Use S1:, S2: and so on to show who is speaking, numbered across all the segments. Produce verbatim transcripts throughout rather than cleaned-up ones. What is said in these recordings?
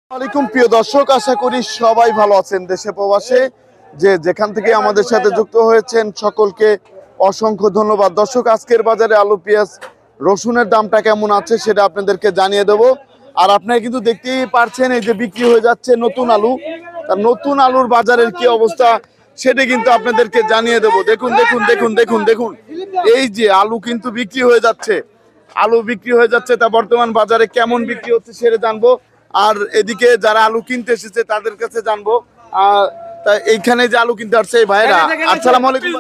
S1: আসসালামু প্রিয় দর্শক, আশা করি সবাই ভালো আছেন। দেশে প্রবাসে যে যেখান থেকে আমাদের সাথে যুক্ত হয়েছেন সকলকে অসংখ্য ধন্যবাদ। দর্শক, আজকের বাজারে আলু পেঁয়াজ রসুনের দামটা কেমন আছে সেটা আপনাদেরকে জানিয়ে দেব। আর আপনারা কিন্তু দেখতেই পারছেন এই যে বিক্রি হয়ে যাচ্ছে নতুন আলু। তার নতুন আলুর বাজারের কি অবস্থা সেটা কিন্তু আপনাদেরকে জানিয়ে দেব। দেখুন দেখুন দেখুন দেখুন দেখুন এই যে আলু কিন্তু বিক্রি হয়ে যাচ্ছে, আলু বিক্রি হয়ে যাচ্ছে। তা বর্তমান বাজারে কেমন বিক্রি হচ্ছে সেটা জানবো। আর এদিকে যারা আলু কিনতে এসেছে তাদের কাছে জানবো। আহ তা এইখানে যে আলু কিনতে আসছে এই ভাইরা, আসসালামু আলাইকুম।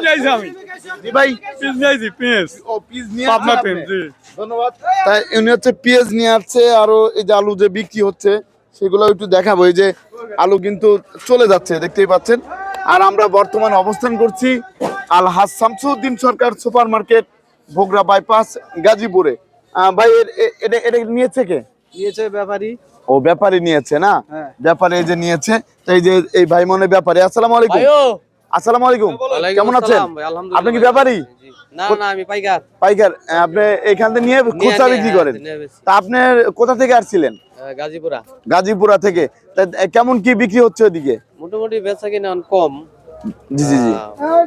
S1: জি ভাই,
S2: পিস নিয়েছি পিস
S1: ও পিস নিয়ে
S2: পাবনা
S1: আসছেন
S2: পিস
S1: আপনি?
S2: জি
S1: ধন্যবাদ। তাই উনি হচ্ছে পেঁয়াজ নিয়ে আসছে, আরো এই যে আলু যে বিক্রি হচ্ছে সেগুলো একটু দেখাবো। এই যে আলু কিন্তু চলে যাচ্ছে দেখতেই পাচ্ছেন। আর আমরা বর্তমানে অবস্থান করছি Al Haj Shamsuddin Sarkar super market, Bogura bypass, গাজীপুরে। আহ, ভাই এর- এ- এটা এটা নিয়েছে কে?
S3: নিয়েছে ব্যাপারী।
S1: ও ব্যাপারী নিয়েছে না?
S3: হ্যাঁ।
S1: ব্যাপারী এই যে নিয়েছে। তো এই যে এই ভাই মনে ব্যাপারী। আসসালামু আলাইকুম। আসসালামু আলাইকুম, কেমন আছেন? আপনি কি ব্যাপারী?
S3: না না আমি পাইকার।
S1: পাইকার। আহ, আপনি এখান থেকে নিয়ে খুচরা বিক্রি করেন? তা আপনি কোথা থেকে আসছিলেন?
S3: গাজীপুরা।
S1: গাজীপুরা থেকে। তা কেমন কি বিক্রি হচ্ছে ওদিকে?
S3: মোটামুটি বেচা কিনা কম।
S1: জি জি জি।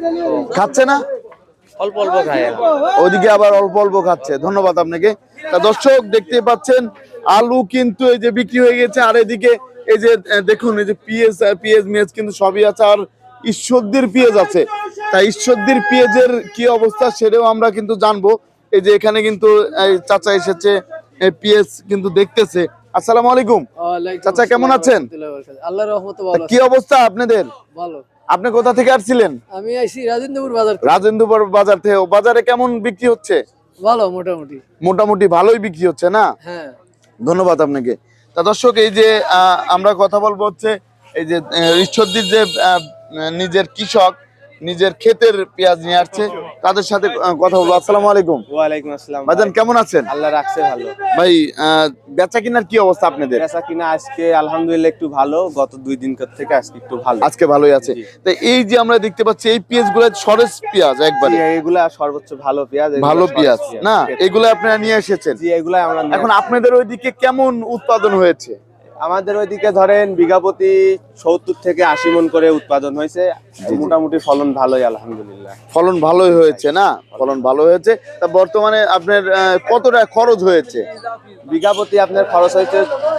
S1: খাচ্ছে না?
S3: অল্প অল্প খায়।
S1: ওইদিকে আবার অল্প অল্প খাচ্ছে। ধন্যবাদ আপনাকে। তা দর্শক দেখতে পাচ্ছেন আলু কিন্তু এই যে বিক্রি হয়ে গেছে। আর এদিকে এই যে আহ, দেখুন এই যে পিএস পিএস মেজ কিন্তু সবই আছে। আর ঈশ্বরদীর পেঁয়াজ আছে। তাই ঈশ্বরদীর পেঁয়াজের কি অবস্থা সেটাও আমরা কিন্তু জানবো। এই যে এখানে কিন্তু এই চাচা এসেছে, পেঁয়াজ কিন্তু দেখতেছে। আসসালামু আলাইকুম চাচা, কেমন আছেন?
S3: আল্লাহর রহমতে
S1: তা
S3: ভালো।
S1: কি অবস্থা আপনাদের?
S3: ভালো।
S1: আপনি কোথা থেকে আসছিলেন?
S3: আমি আইছি রাজেন্দ্রপুর বাজার থেকে।
S1: রাজেন্দ্রপুর বাজার থেকে। ও বাজারে কেমন বিক্রি হচ্ছে?
S3: ভালো মোটামুটি।
S1: মোটামুটি ভালোই বিক্রি হচ্ছে না?
S3: হ্যাঁ।
S1: ধন্যবাদ আপনাকে। তা দর্শক, এই যে আহ, আমরা কথা বলবো হচ্ছে এই যে আহ, ঈশ্বরদীর যে আহ, নিজের কৃষক নিজের ক্ষেতের পেঁয়াজ নিয়ে আসছে তাদের সাথে আহ, কথা বলবো। আসসালামু আলাইকুম।
S4: ওয়ালাইকুম আসসালাম।
S1: ভাইজান কেমন আছেন?
S4: আল্লাহ রাখছে ভালো।
S1: ভাই আহ, বেচা কিনার কি অবস্থা আপনাদের?
S4: বেচা কিনা আজকে আলহামদুলিল্লাহ একটু ভালো, গত দুই দিন থেকে আজকে একটু ভালো।
S1: আজকে ভালোই আছে। তো এই যে আমরা দেখতে পাচ্ছি এই পেঁয়াজ গুলো সরেস পেঁয়াজ একবারে
S4: জি, এগুলা সর্বোচ্চ ভালো পেঁয়াজ, এগুলা
S1: ভালো
S4: সরেস
S1: পেঁয়াজ না? এগুলো আপনারা নিয়ে এসেছেন।
S4: জি, এগুলা আমরা নিয়ে
S1: এখন
S4: আসছি।
S1: আপনাদের ওইদিকে কেমন উৎপাদন হয়েছে?
S4: আমাদের ওইদিকে ধরেন বিঘা প্রতি সত্তর থেকে আশি মন করে উৎপাদন হয়েছে। মোটামুটি ফলন ভালোই আলহামদুলিল্লাহ।
S1: ফলন ভালোই হয়েছে না? ফলন ভালো হয়েছে। তা বর্তমানে আপনার আহ, কতটা খরচ হয়েছে?
S4: বিঘা প্রতি আপনার খরচ হয়েছে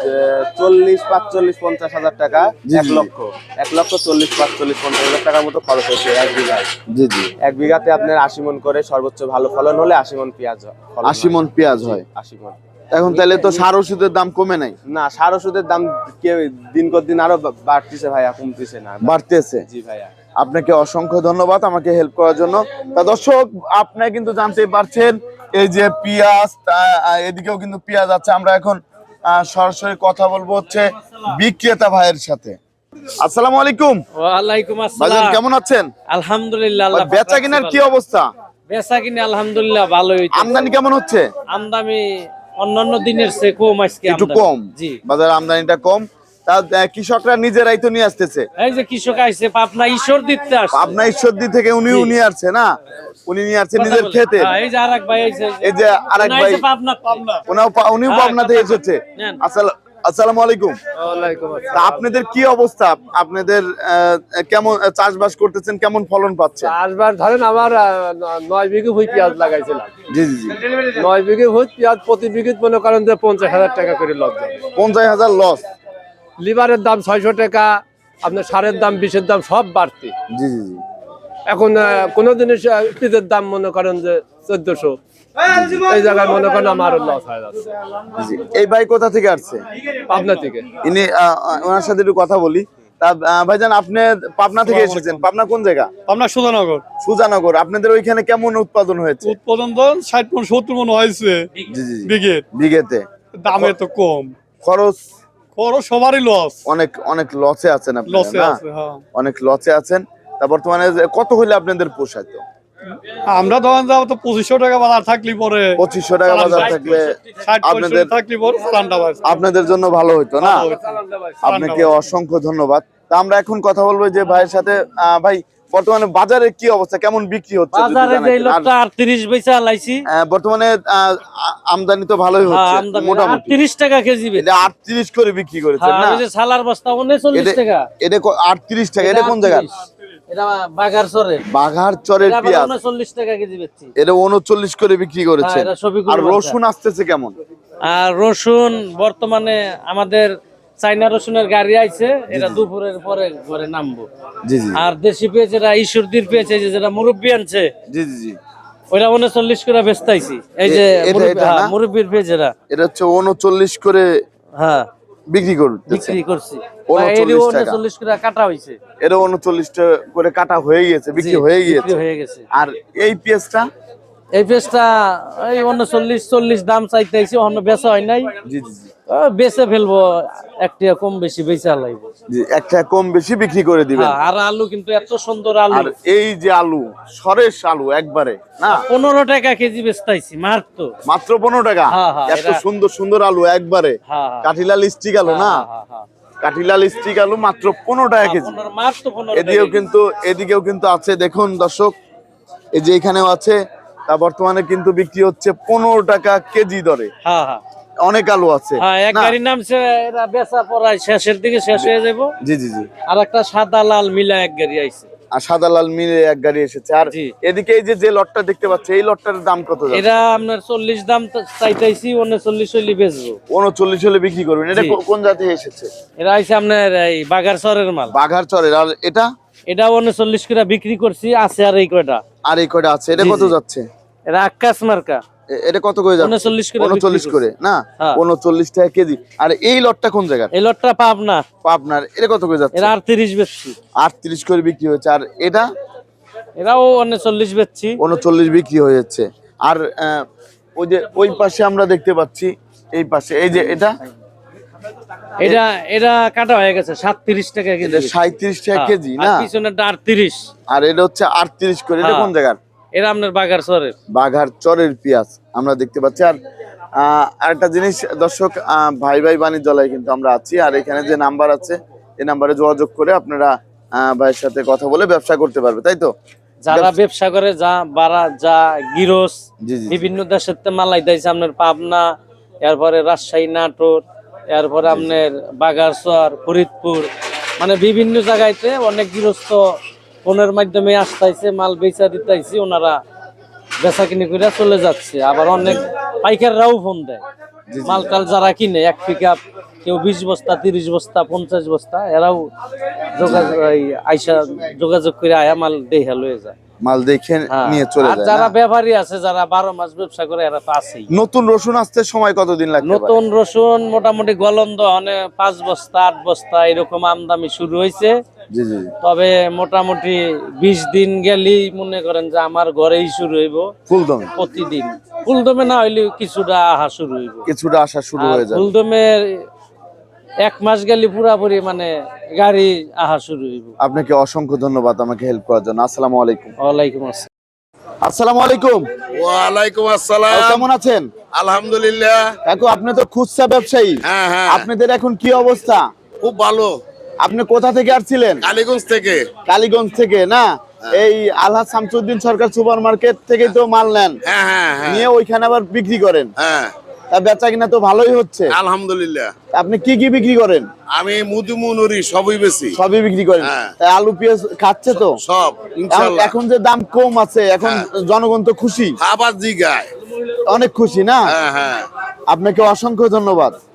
S4: চল্লিশ পাঁচচল্লিশ পঞ্চাশ হাজার টাকা।
S1: জি,
S4: এক
S1: জি।
S4: লক্ষ এক লক্ষ চল্লিশ পাঁচচল্লিশ পঞ্চাশ হাজার টাকার মতো খরচ হয়েছে এক বিঘায়।
S1: জি জি।
S4: এক বিঘাতে আপনার আশি মন করে, সর্বোচ্চ ভালো ফলন হলে আশি মন পেঁয়াজ হয়, ফলন
S1: আশি
S4: হয়।
S1: মন পেঁয়াজ হয়।
S4: আশি মন।
S1: এখন তাহলে তো সার ওষুধের দাম কমে নাই?
S4: না, সার ওষুধের দাম কে দিন কর দিন আরো বা- বাড়তিছে ভাইয়া, কমতিছে না।
S1: বাড়তেছে।
S4: জি ভাইয়া।
S1: আপনাকে অসংখ্য ধন্যবাদ আমাকে হেল্প করার জন্য। তা দর্শক, আপনারা কিন্তু জানতে পারছেন এই যে পেঁয়াজ, তা- আহ, এদিকেও কিন্তু পেঁয়াজ আছে। আমরা এখন আহ, সরাসরি কথা বলবো হচ্ছে বিক্রেতা ভাইয়ের সাথে। আসসালামু আলাইকুম।
S3: ওয়ালাইকুম
S1: ভাইজান
S3: আসসালাম।
S1: কেমন আছেন?
S3: আলহামদুলিল্লাহ।
S1: ভাই, বেচা কিনার কি অবস্থা?
S3: বেচা কিনা আলহামদুলিল্লাহ ভালোই হইছে।
S1: আমদানি কেমন হচ্ছে?
S3: আমদানি অন্যান্য দিনের চেয়ে কম আজকে।
S1: একটু
S3: আমদানি।
S1: কম।
S3: জি।
S1: বাজারে আমদানিটা কম। তা আহ, কৃষকরা নিজেরাই তো নিয়ে আসতেছে।
S3: এই যে কৃষক আইছে পাবনা ঈশ্বর দিতে আসছে।
S1: পাবনা ঈশ্বরদী থেকে উনি
S3: জি।
S1: নিয়ে আসছে না? উনি নিয়ে আসছে
S3: কথা
S1: নিজের
S3: বলে।
S1: খেতে।
S3: হ্যাঁ, এই যে আরেক ভাই আইছে।
S1: এই যে আরেক
S3: উনি
S1: ভাই
S3: আইছে পাবনা পাবনা।
S1: উনিও পা- উনিও
S3: হ্যাঁ,
S1: পাবনা থেকে এসেছে।
S3: নেন।
S1: আসসালাম আসসালামু আলাইকুম।
S3: ওয়ালাইকুম
S1: তা আপনাদের কি অবস্থা? আপনাদের আহ, কেমন চাষবাস করতেছেন? কেমন ফলন পাচ্ছে?
S5: চাষবাস ধরেন আমার আহ, ন- নয় বিঘে ভুই পেঁয়াজ লাগাইছিলাম।
S1: জি জি জি।
S5: নয় বিঘে ভুই পেঁয়াজ প্রতি বিঘে মনে করেন যে পঞ্চাশ হাজার টাকা করে লস যাবে।
S1: পঞ্চাশ হাজার লস।
S5: লিভারের দাম ছয়শো টাকা, আপনার সারের দাম বিষের দাম সব বাড়তি।
S1: জি জি জি।
S5: এখন আহ, কোনো জিনিস আহ, পিঁয়াজের দাম মনে করেন যে চোদ্দশো, এই জায়গায় মনে করেন আমার লস হয়ে যাচ্ছে।
S1: জি। এই ভাই কোথা থেকে আসছে?
S5: পাবনা থেকে।
S1: ইনি আহ, আহ, ওনার সাথে একটু কথা বলি। তা আহ, ভাইজান আপনি পাবনা থেকে এসেছেন। পাবনা কোন জায়গা?
S2: আমরা সুধানগর।
S1: সুজানগর। আপনাদের ওইখানে কেমন উৎপাদন হয়েছে?
S2: উৎপাদন তো ষাট মন সত্তর মন হয়েছে
S1: জি জি জি।
S2: বিঘের।
S1: বিঘেতে
S2: দামে তো কম,
S1: খরচ
S2: খরচ সবারই লস।
S1: অনেক অনেক লসে আছেন আপনারা
S2: লসে
S1: না?
S2: আছে, হ্যাঁ।
S1: অনেক লসে আছেন। তা বর্তমানে যে কত হইলে আপনাদের পোষায়? তো
S2: আমরা ধরেন যাবো তো পঁচিশশো টাকা বাজার থাকলে পরে,
S1: পঁচিশশো টাকা বাজার থাকলে
S2: ষাট
S1: আপনাদের
S2: পঁয়ষট্টি থাকলে পরে চালানটা বাড়ছে।
S1: আপনাদের জন্য ভালো হইতো না?
S2: ভালো হইতো।
S1: আপনাকে অসংখ্য ধন্যবাদ। তা আমরা এখন কথা বলবো যে ভাইয়ের সাথে। আহ, ভাই বর্তমানে বাজারে কি অবস্থা, কেমন বিক্রি হচ্ছে যদি
S3: বাজারে যে
S1: জানাইতেন? আর,
S3: লোকটা আটত্রিশ বেচা লাইছি,
S1: আহ, বর্তমানে আহ, আ- আমদানি তো ভালোই হচ্ছে মোটামুটি।
S3: আটত্রিশ টাকা কেজি বেচি।
S1: এটা আটত্রিশ করে বিক্রি করেছেন
S3: হ্যাঁ,
S1: না?
S3: ওই যে সালার বস্তা উনচল্লিশ
S1: এটা-
S3: টাকা।
S1: এটা ক- আটত্রিশ টাকা। এটা কোন জায়গা?
S3: আটত্রিশ। এটা বাগার চরে।
S1: বাঘার চরের
S3: এটা আবার
S1: পেঁয়াজ,
S3: উনচল্লিশ টাকা কেজি বেচছি।
S1: এটা উনচল্লিশ করে বিক্রি করেছে।
S3: হ্যাঁ, এটা শফিকুল
S1: আর
S3: বাদশা।
S1: রসুন আসতেছে কেমন?
S3: আর রসুন বর্তমানে আমাদের চাইনা রসুনের গাড়ি আইছে, এটা দুপুরের পরে ঘরে নামবো।
S1: জি জি
S3: আর দেশি পেঁয়াজ যেটা ঈশ্বরদীর পেঁয়াজ, এই যে যেটা মুরব্বী আনছে,
S1: জি জি জি
S3: ওইটা উনচল্লিশ করে বেচতাইছি। এই যে
S1: এ- এটা-
S3: মুরব্বি-
S1: এটা
S3: হ্যাঁ,
S1: না?
S3: মুরব্বির পেঁয়াজ এরা,
S1: এটা হচ্ছে উনচল্লিশ করে
S3: হ্যাঁ
S1: বিক্রি করতেছে।
S3: বিক্রি করছি।
S1: উনচল্লিশ টাকা।
S3: উনচল্লিশ করে কাটা হয়েছে,
S1: এটা উনচল্লিশ করে কাটা হয়ে গেছে, বিক্রি
S3: জি,
S1: হয়ে
S3: বিক্রি
S1: গিয়েছে।
S3: হয়ে গেছে।
S1: আর এই পেঁয়াজটা?
S3: এই পেঁয়াজটা এই উনচল্লিশ চল্লিশ দাম চাইতেছি, অন্য বেচা হয় নাই।
S1: জি জি জি
S3: ও, বেচে ফেলবো, একটা কম বেশি বেচা লাগবে।
S1: জি, একটা কম বেশি বিক্রি করে দিবেন।
S3: হ্যাঁ, আর আলু কিন্তু এত সুন্দর আলু,
S1: আর এই যে আলু, সরেস আলু একবারে না,
S3: পনেরো টাকা কেজি বেচতাইছি মাত্র।
S1: মাত্র পনেরো টাকা।
S3: হ্যাঁ, হ্যাঁ,
S1: এত
S3: এটা-
S1: সুন্দর সুন্দর আলু একবারে,
S3: হ্যাঁ, হ্যাঁ।
S1: কাঠিলাল স্টিক আলু না,
S3: হ্যাঁ, হ্যাঁ, হ্যাঁ।
S1: কাঠিলাল স্টিক আলু মাত্র পনেরো টাকা কেজি।
S3: পনেরো, মাত্র পনেরো
S1: এদিকেও
S3: টাকা
S1: কিন্তু এদিকেও কিন্তু আছে, দেখুন দর্শক, এই যে এখানেও আছে। তা বর্তমানে কিন্তু বিক্রি হচ্ছে পনেরো টাকা কেজি দরে।
S3: হ্যাঁ, হ্যাঁ,
S1: অনেক আলু আছে
S3: হ্যাঁ। এক
S1: না?
S3: গাড়ি নামছে, এরা বেচা পড়ায় শেষের দিকে শেষ হয়ে যাবো।
S1: জি জি জি
S3: আর একটা সাদা লাল মিলা এক গাড়ি আইছে।
S1: আর সাদা লাল মিলে এক গাড়ি এসেছে। আর
S3: জি।
S1: এদিকে এই যে যে লটটা দেখতে পাচ্ছি, এই লটটার দাম কত যাচ্ছে?
S3: এটা আপনার চল্লিশ দাম তো চাইতেছি, উনচল্লিশ হইলে বেচবো।
S1: উনচল্লিশ হলে বিক্রি করবেন। এটা
S3: জি।
S1: কো- কোন জাতি এসেছে?
S3: এটা আইছে আপনার এই বাগার চরের মাল।
S1: বাঘার চরের। আর এটা?
S3: এটা উনচল্লিশ করে বিক্রি করছি, আছে আর এই কয়টা।
S1: আর এই কয়টা আছে। এটা
S3: জি,
S1: কত
S3: জি।
S1: যাচ্ছে?
S3: এটা আকাশ মার্কা,
S1: এ- এটা কত করে যাচ্ছে?
S3: উনচল্লিশ করে
S1: উনচল্লিশ
S3: বিক্রি
S1: করে না,
S3: হ্যাঁ।
S1: উনচল্লিশ টাকা কেজি। আর এই লটটা কোন জায়গার?
S3: এই লটটা পাব না,
S1: আপনার এটা কত করে যাচ্ছে?
S3: এরা আটত্রিশ বেচছি।
S1: আটত্রিশ করে বিক্রি হয়েছে। আর এটা
S3: এরাও উনচল্লিশ বেচছি।
S1: উনচল্লিশ বিক্রি হয়ে যাচ্ছে। আর আহ, ওই যে ওই পাশে আমরা দেখতে পাচ্ছি, এই পাশে এই যে এটা,
S3: এটা এটা কাটা হয়ে গেছে সাতত্রিশ টাকা কেজি।
S1: এটা সাঁইত্রিশ টাকা
S3: হ্যাঁ,
S1: কেজি
S3: আর
S1: না?
S3: পিছনেরটা আটত্রিশ।
S1: আর এটা হচ্ছে আটত্রিশ করে। এটা
S3: হ্যাঁ।
S1: কোন জায়গার?
S3: এরা আপনার বাগার চরের।
S1: বাঘার চরের পেঁয়াজ আমরা দেখতে পাচ্ছি। আর আহ, আরেকটা জিনিস দর্শক, আহ, ভাই ভাই বাণিজ্যালয় কিন্তু আমরা আছি। আর এখানে যে নাম্বার আছে, এই নাম্বারে যোগাযোগ করে আপনারা আহ, ভাইয়ের সাথে কথা বলে ব্যবসা করতে পারবে, তাই তো?
S3: যারা ব্যবসা করে, যা বারা যা গিরস,
S1: জি জি
S3: বিভিন্ন দেশের তে মালাই দিয়েছে আপনার পাবনা, এরপরে রাজশাহী, নাটোর, এরপরে আপনার বাগারচর, ফরিদপুর, মানে বিভিন্ন জায়গাতে অনেক গৃহস্থ ফোনের মাধ্যমে আসতেছে, মাল বেচা দিতেছে, ওনারা বেচা কিনে করে চলে যাচ্ছে। আবার অনেক পাইকাররাও ফোন দেয়, মাল টাল যারা কিনে, এক পিক আপ কেউ বিশ বস্তা, তিরিশ বস্তা, পঞ্চাশ বস্তা, এরাও যোগাযোগ এই আইসা যোগাযোগ করে আয়া মাল দেহা লয়ে যায়।
S1: মাল দেখে
S3: হ্যাঁ।
S1: নিয়ে চলে
S3: আর
S1: যায়
S3: যারা
S1: না?
S3: ব্যাপারী আছে, যারা বারো মাস ব্যবসা করে, এরা তো আছেই।
S1: নতুন রসুন আসতে সময় কতদিন লাগবে?
S3: নতুন রসুন মোটামুটি গলন্দ মানে পাঁচ বস্তা আট বস্তা এরকম আমদানি শুরু হয়েছে।
S1: জি জি
S3: তবে মোটামুটি বিশ দিন গেলেই মনে করেন যে আমার ঘরেই শুরু হইব
S1: ফুলদমে
S3: প্রতিদিন। ফুলদমে না হইলে কিছুটা আহা শুরু হইব।
S1: কিছুটা আসা শুরু
S3: আর
S1: হয়ে যাবে।
S3: ফুলদমে এক মাস গেলে পুরাপুরি মানে গাড়ি আহা শুরু হইব।
S1: আপনাকে অসংখ্য ধন্যবাদ আমাকে হেল্প করার জন্য। আসসালামু আলাইকুম।
S3: ওয়ালাইকুম আসসালাম।
S1: আসসালামু আলাইকুম।
S6: ওয়ালাইকুম
S1: ভাই,
S6: আসসালাম।
S1: কেমন আছেন?
S6: আলহামদুলিল্লাহ।
S1: কাকু, আপনি তো খুচরা ব্যবসায়ী,
S6: হ্যাঁ হ্যাঁ,
S1: আপনাদের এখন কি অবস্থা?
S6: খুব ভালো।
S1: আপনি কোথা থেকে আসছিলেন?
S6: কালীগঞ্জ থেকে।
S1: কালীগঞ্জ থেকে না? এই আলহাজ শামসুদ্দিন সরকার সুপার মার্কেট থেকেই তো মাল নেন,
S6: হ্যাঁ হ্যাঁ হ্যাঁ
S1: নিয়ে ওইখানে আবার বিক্রি করেন।
S6: হ্যাঁ,
S1: তা বেচা কিনা তো ভালোই হচ্ছে।
S6: আলহামদুলিল্লাহ।
S1: আপনি কি কি বিক্রি করেন?
S6: আমি মুদুমুনুরি সবই বেশি,
S1: সবই বিক্রি করেন।
S6: হ্যাঁ।
S1: তাই আলু পেঁয়াজ খাচ্ছে তো?
S6: সব ইনশাআল্লাহ।
S1: এখন যে দাম কম আছে, এখন
S6: হ্যাঁ।
S1: জনগণ তো খুশি,
S6: আবার জিগায়।
S1: অনেক খুশি না?
S6: হ্যাঁ হ্যাঁ,
S1: আপনাকে অসংখ্য ধন্যবাদ।